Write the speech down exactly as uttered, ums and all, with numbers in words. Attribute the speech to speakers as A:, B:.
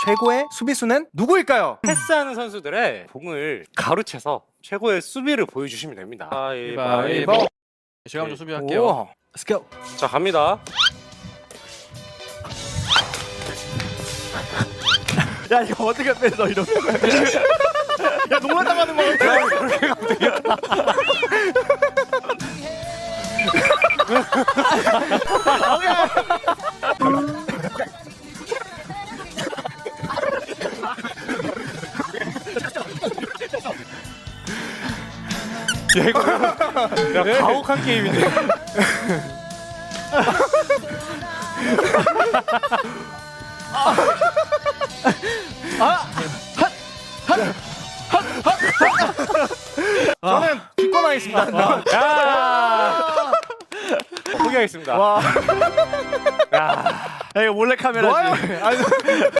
A: 최고의 수비수는 누구일까요?
B: 패스하는 선수들의 공을 가로채서 최고의 수비를 보여주시면 됩니다.
A: 가위바위보.
C: 제가 먼저 수비할게요.
A: 오. Let's go.
B: 자, 갑니다.
C: 야 이거 어떻게 뺏어 이러면? 야 농락 당하는 거 같아.
B: 야, 이거 야, 가혹한 게임인데.
A: 저는 기권하겠습니다.
B: 야! 포기하겠습니다.
A: 와.
B: 야.
C: 야 이거 몰래 카메라지.
A: 아니,